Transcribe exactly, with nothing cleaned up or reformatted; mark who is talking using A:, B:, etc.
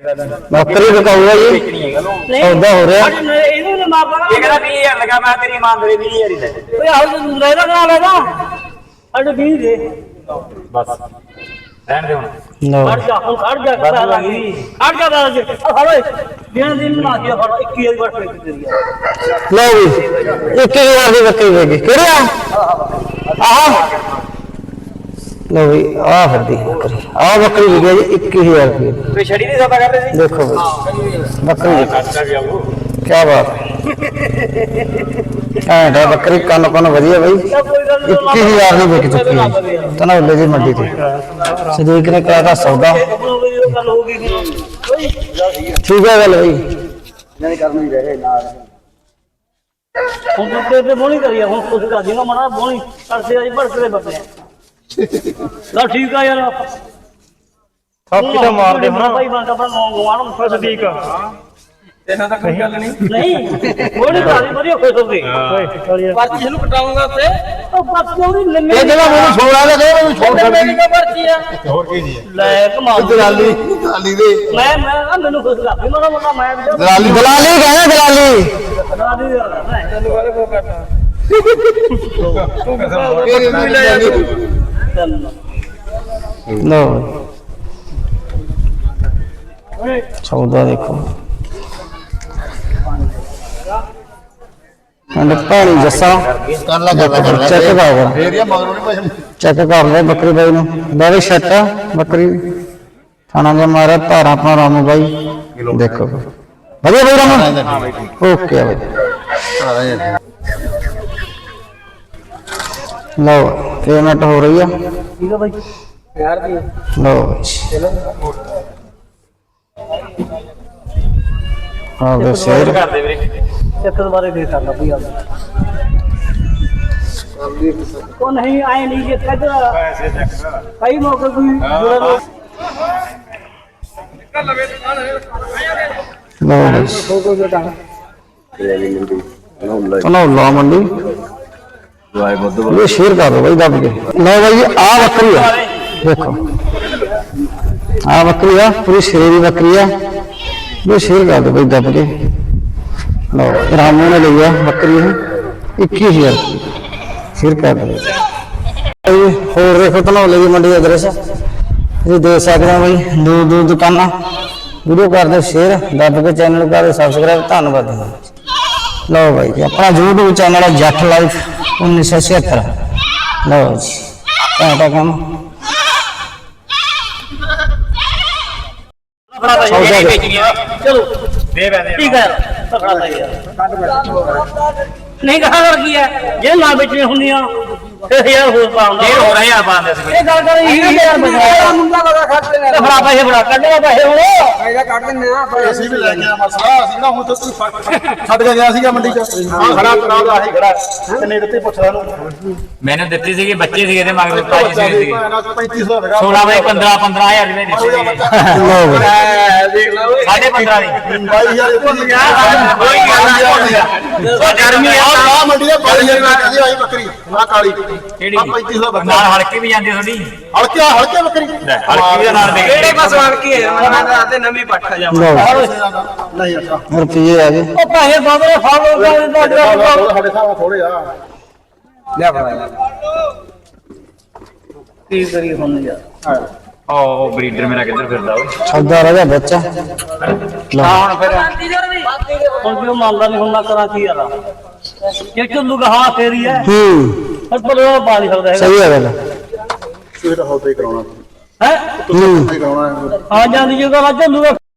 A: ਬੱਕਰੀ ਵਿਕਾਊਗਾ ਜੀ ਸੌਦਾ ਹੋ ਰਿਹਾ
B: ਇਹਨੂੰ ਨਾ ਮਾਰਦਾ
C: ਇਹ ਕਹਿੰਦਾ ਵੀਹ ਹਜ਼ਾਰ ਲਗਾ ਮੈਂ ਤੇਰੀ ਇਮਾਨਦਾਰੀ ਵੀਹ ਹਜ਼ਾਰ ਹੀ ਲੈ
B: ਓਏ ਆਹ ਤੂੰ ਲੈਦਾ ਕਰਾ ਲੈਦਾ ਅੜ ਵੀਹ ਦੇ
C: ਬਸ ਰਹਿਣ ਦੇ ਹੁਣ
A: ਲਓ
B: ਖੜ ਜਾ ਹੁਣ ਖੜ ਜਾ ਕਰਾ ਲਾਂਗੀ ਖੜ ਜਾ ਬਾਜ ਆ ਫੜ ਦਿਨ ਦਿਨ ਬਣਾ ਦਿਆ ਫੜ ਇੱਕੀ ਵਾਰੀ ਵੜ ਕੇ ਤੇਰੀ
A: ਲਓ ਵੀ ਇੱਕ ਹਜ਼ਾਰ ਦੀ ਬੱਕਰੀ ਵੇਗੀ ਕਿਹੜਾ ਆਹ ਲਓ ਵੀ ਆਹ ਫਿਰਦੀ ਬੱਕਰੀ ਆਹ ਬੱਕਰੀ ਵਿਕੀ ਜੀ ਇੱਕੀ ਹਜ਼ਾਰ ਰੁਪਏ
C: ਤੇ ਛੜੀ ਨਹੀਂ ਸੌਦਾ ਕਰਦੇ ਸੀ
A: ਦੇਖੋ ਬਈ ਬੱਕਰੀ
C: ਖਰਚਾ ਵੀ ਆਊ
A: ਕੀ ਬਾਤ ਹੈ ਐਂਡਾ ਬੱਕਰੀ ਕੰਨ ਕੰਨ ਵਧੀਆ ਬਈ ਇੱਕੀ ਹਜ਼ਾਰ ਦੀ ਵਿਕ ਚੁੱਕੀ ਹੈ ਤਨੌਲੇ ਦੀ ਮੰਡੀ ਤੇ ਸਦੀਕ ਨੇ ਕਿਹਾ ਤਾਂ ਸੌਦਾ
B: ਗੱਲ ਹੋ ਗਈ
A: ਠੀਕ ਹੈ ਗੱਲ ਬਈ
C: ਨਹੀਂ ਕਰਨੀ ਰਹੇ ਨਾਲ
B: ਹੁਣ ਤੇ ਤੇ ਬੋਣੀ ਕਰੀਆ ਹੁਣ ਕੁਝ ਕਰ ਦੇਗਾ ਮਣਾ ਬੋਣੀ ਕਰਸੇ ਆਈ ਭੜਕਦੇ ਬੱਤੇ ਲਾ ਠੀਕ ਆ ਯਾਰ
A: ਥੱਕ ਤਾਂ ਮਾਰਦੇ
B: ਹਾਂ ਭਾਈ ਬੰਦ ਆਪਣਾ ਗਵਾਣ ਨੂੰ ਫਸ ਠੀਕ ਆ
C: ਇਹਨਾਂ ਦਾ ਕੋਈ ਗੱਲ ਨਹੀਂ
B: ਨਹੀਂ ਬੋਣੀ ਕਰੀ ਵਧੀਆ ਖੁਸ਼ ਹੋ ਗਈ
C: ਪਰਚੀ ਨੂੰ ਕਟਾਉਂਗਾ ਉੱਤੇ
B: ਉਹ ਪਰਚੀ ਉਹਦੀ ਲੰਮੀ
A: ਇਹ ਜਿਹੜਾ ਮੈਨੂੰ ਛੋੜਾ ਦੇ ਦੇ ਮੈਨੂੰ ਛੋੜ
B: ਮੇਰੀ ਕਾ ਪਰਚੀ ਆ
C: ਹੋਰ ਕੀ ਜੀ
B: ਲੈ ਕਮਾਲ
A: ਦਲਾਲੀ ਦਲਾਲੀ ਦੇ
B: ਮੈਂ ਮੈਂ ਆ ਮੈਨੂੰ ਖੁਸ਼ ਕਰ ਮੇਰਾ ਮੁੰਡਾ ਮੈਂ ਵੀ
A: ਦਲਾਲੀ ਦਲਾਲੀ ਕਹਿੰਦਾ ਦਲਾਲੀ
B: ਦਲਾਲੀ
C: ਤੈਨੂੰ ਵਾਲੇ ਕੋ ਕਰਦਾ ਤੂੰ
A: ਵੀ ਲੈ ਜਾ ਲਓ ਸੌਦਾ ਦੇਖੋ ਅੰਡ ਪਾਣੀ ਜੱਸਾ ਕਰ ਲਾ ਚੈੱਕ ਕਰ
C: ਫੇਰ ਇਹ ਮਗਰੋਂ ਨਹੀਂ ਪੈਸੇ
A: ਚੈੱਕ ਕਰ ਲੈ ਬੱਕਰੀ ਬਾਈ ਨੂੰ ਬਾਈ ਸ਼ੱਟ ਬੱਕਰੀ ਥਾਣਾ ਦੇ ਮਾਰਾ ਧਾਰਾ ਆਪਣਾ ਰਾਮੂ ਬਾਈ ਦੇਖੋ ਵਧੀਆ ਬਾਈ ਰਾਮੂ ਓਕੇ ਬਾਈ ਲਓ ਪੇਮੈਂਟ ਹੋ ਰਹੀ ਆ
B: ਠੀਕ ਆ ਬਾਈ
C: ਯਾਰ ਦੀ
A: ਲਓ ਹਾਂ ਦੇ ਸ਼ੇਰ
C: ਕਰ ਦੇ ਵੀਰੇ
B: ਚੱਕਰ ਬਾਰੇ ਦੇ ਕਰਦਾ ਭਈ ਆ ਉਹ ਨਹੀਂ ਆਏ ਨਹੀਂ ਕਿ ਕਦਰ
C: ਪੈਸੇ ਚੱਕ
B: ਕਈ ਮੌਕੇ ਕੋਈ ਜੁੜਾ
A: ਲਓ ਤਨੌਲਾ ਮੰਡੀ
C: ਵਾਏ ਬੁੱਧ
A: ਇਹ ਸ਼ੇਰ ਕਰ ਦੋ ਬਾਈ ਦੱਬ ਕੇ ਲਓ ਬਾਈ ਆ ਬੱਕਰੀ ਆ ਦੇਖੋ ਆ ਬੱਕਰੀ ਆ ਪੂਰੀ ਸ਼ੇਰ ਦੀ ਬੱਕਰੀ ਆ ਇਹ ਸ਼ੇਰ ਕਰ ਦੋ ਬਾਈ ਦੱਬ ਕੇ ਲਓ ਰਾਮੂ ਨੇ ਲਈ ਆ ਬੱਕਰੀ ਇਹ ਇੱਕੀ ਹਜ਼ਾਰ ਸ਼ੇਰ ਕਰ ਦੋ ਹੋਰ ਦੇਖੋ ਤਨੌਲੇ ਦੀ ਮੰਡੀ ਦਾ ਦ੍ਰਿਸ਼ ਤੁਸੀਂ ਦੇਖ ਸਕਦੇ ਹੋ ਬਾਈ ਦੂਰ ਦੂਰ ਦੁਕਾਨਾਂ ਵੀਡੀਓ ਕਰਦੇ ਸ਼ੇਅਰ ਦੱਬ ਕੇ ਚੈਨਲ ਕਰਦੇ ਸਬਸਕ੍ਰਾਈਬ ਧੰਨਵਾਦ ਲਓ ਬਾਈ ਜੀ ਆਪਣਾ YouTube ਚੈਨਲ ਹੈ ਜੱਟ ਲਾਈਫ ਉੱਨੀ ਸੌ ਛਿਹੱਤਰ ਲਓ ਜੀ ਘੰਟਾ ਕੰਮ
B: ਚਲੋ
C: ਦੇ ਬੈਦੇ
B: ਠੀਕ ਹੈ ਤਕੜਾ ਤਾਂ ਯਾਰ ਨਹੀਂ ਕਹਾ ਕਰ ਕੀ ਹੈ ਜੇ ਨਾ ਵੇਚਣੀ ਹੁੰਦੀਆਂ ਫਿਰ ਯਾਰ ਹੋਰ ਪਾਉਂਦਾ
C: ਫੇਰ ਹੋ ਰਿਹਾ ਪਾਉਂਦੇ ਸੀ
B: ਇਹ ਗੱਲ ਕਰ ਇਹ ਯਾਰ ਬਚਾਇਆ
C: ਮੁੰਡਾ ਲਗਾ ਖੜਦੇ ਨੇ
B: ਫੜਾ ਪੈਸੇ ਫੜਾ ਕੱਢੇਗਾ ਪੈਸੇ ਹੁਣ
C: ਫਾਇਦਾ ਕੱਢ ਦਿੰਦੇ ਆ ਅਸੀਂ ਵੀ ਲੈ ਕੇ ਆ ਮਸਲਾ ਅਸੀਂ ਨਾ ਹੁਣ ਤੁਸੀਂ ਛੱਡ ਕੇ ਗਿਆ ਸੀਗਾ ਮੰਡੀ ਚ ਹਾਂ ਖੜਾ ਕਰਾਉਂਦਾ ਆਹੀ ਖੜਾ ਕਿੰਨੇ ਦਿੱਤੇ ਪੁੱਛਦਾ ਨੂੰ
D: मैंने ਦਿੱਤੀ ਸੀਗੀ ਬੱਚੇ ਸੀਗੇ ਤੇ ਮਗਰ ਤਾਜੀ ਸੀਗੇ
C: ਪੈਂਤੀ ਸੌ ਹੈਗਾ
D: सोलह बाई पंद्रह पंद्रह हजार रुपए ਦਿੱਤੇ ਸੀਗੇ
A: ਲਓ ਬਾਈ
C: ਦੇਖ ਲਓ
D: साढ़े पंद्रह ਦੀ
C: ਬਾਈ ਹਜ਼ਾਰ ਭੁੱਲ ਗਿਆ
D: ਕੋਈ ਗੱਲ ਨਹੀਂ
C: ਗਰਮੀ ਆ ਮੰਡੀ ਦਾ ਬਾਈ ਹਜ਼ਾਰ ਮੈਂ ਕਹਿੰਦੀ ਆਈ ਬੱਕਰੀ ਆ ਕਾਲੀ
D: ਕਿਹੜੀ
C: ਆ ਪੈਂਤੀ ਸੌ ਬੱਕਰੀ
D: ਨਾਲ ਹਲਕੇ ਵੀ ਜਾਂਦੇ ਤੁਹਾਡੀ
C: ਹਲਕੇ ਹਲਕੇ ਬੱਕਰੀ
D: ਹਲਕੇ ਵੀ ਨਾਲ ਦੇ
C: ਕਿਹੜੇ ਪਾਸ ਹਲਕੀ ਹੈ ਮੈਂ ਤਾਂ ਆਤੇ ਨਵੀਂ ਪੱਠਾ ਜਾ
A: ਲਓ
C: ਨਹੀਂ ਅੱਛਾ
A: ਰੁਪਈਏ ਆ ਗਏ
B: ਉਹ ਪੈਸੇ ਬਾਬਰੇ ਫਾਲੋ ਕਰ
C: ਸਾਡੇ ਸਾਹ ਥੋੜੇ ਆ ਲੈ ਫੜਾ
B: ਕੀ ਕਰੀ ਹੁਣ ਯਾਰ
D: ਉਹ ਬਰੀਡਰ ਮੇਰਾ ਕਿੱਧਰ ਫਿਰਦਾ ਉਹ
A: ਸੌਦਾ ਰਹਿ ਗਿਆ ਬੱਚਾ ਲਓ
D: ਹੁਣ ਫਿਰ
B: ਹੁਣ ਕਿਉਂ ਮੰਨਦਾ ਨਹੀਂ ਹੁਣ ਨਾ ਕਰਾਂ ਕੀ ਯਾਰ ਜੇ ਚੱਲੂਗਾ ਹਾਂ ਫੇਰੀ ਹੈ
A: ਹੂੰ
B: ਪਰ ਪਰ ਉਹ ਪਾ ਨਹੀਂ ਸਕਦਾ ਹੈਗਾ
A: ਸਹੀ ਹੈ ਗੱਲ
C: ਇਹ ਤਾਂ ਹੌਦਾ ਹੀ ਕਰਾਉਣਾ
B: ਹੈ
A: ਹੂੰ
C: ਹੀ ਕਰਾਉਣਾ
B: ਆ ਜਾਂਦੀ ਜਗ੍ਹਾ ਚੱਲੂਗਾ